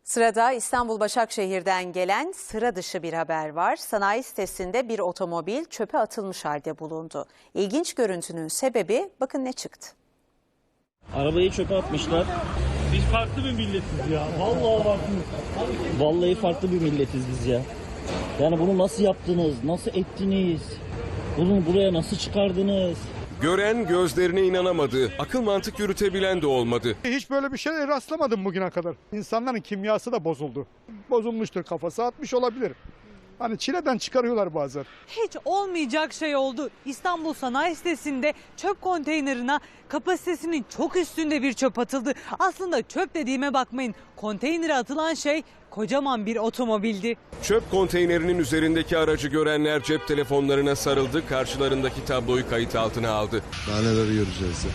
Sırada İstanbul Başakşehir'den gelen sıra dışı bir haber var. Sanayi sitesinde bir otomobil çöpe atılmış halde bulundu. İlginç görüntünün sebebi bakın ne çıktı. Arabayı çöpe atmışlar. Biz farklı bir milletiz ya. Vallahi farklı. Vallahi farklı bir milletiz biz ya. Yani bunu nasıl yaptınız? Nasıl ettiniz? Bunu buraya nasıl çıkardınız? Gören gözlerine inanamadı. Akıl mantık yürütebilen de olmadı. Hiç böyle bir şeye rastlamadım bugüne kadar. İnsanların kimyası da bozuldu. Bozulmuştur, kafası atmış olabilir. Hani çileden çıkarıyorlar bazen. Hiç olmayacak şey oldu. İstanbul Sanayi Sitesi'nde çöp konteynerine kapasitesinin çok üstünde bir çöp atıldı. Aslında çöp dediğime bakmayın. Konteynere atılan şey kocaman bir otomobildi. Çöp konteynerinin üzerindeki aracı görenler cep telefonlarına sarıldı. Karşılarındaki tabloyu kayıt altına aldı. Daha neler göreceğiz ya.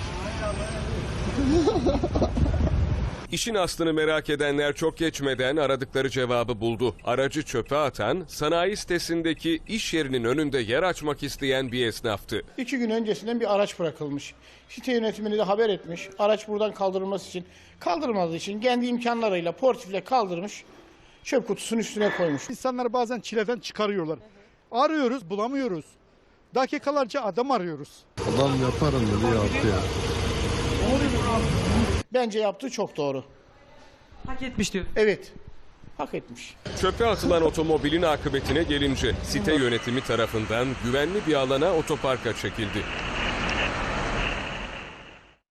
İşin aslını merak edenler çok geçmeden aradıkları cevabı buldu. Aracı çöpe atan, sanayi sitesindeki iş yerinin önünde yer açmak isteyen bir esnaftı. 2 gün öncesinden bir araç bırakılmış. Site yönetimini de haber etmiş. Araç buradan kaldırılması için, kaldırılmadığı için kendi imkanlarıyla portifle kaldırmış. Çöp kutusunun üstüne koymuş. İnsanları bazen çileden çıkarıyorlar. Arıyoruz, bulamıyoruz. Dakikalarca adam arıyoruz. Adam yaparım dedi yaptı ya. Bence yaptığı çok doğru. Hak etmiş diyor. Evet, hak etmiş. Çöpe atılan otomobilin akıbetine gelince site yönetimi tarafından güvenli bir alana otoparka çekildi.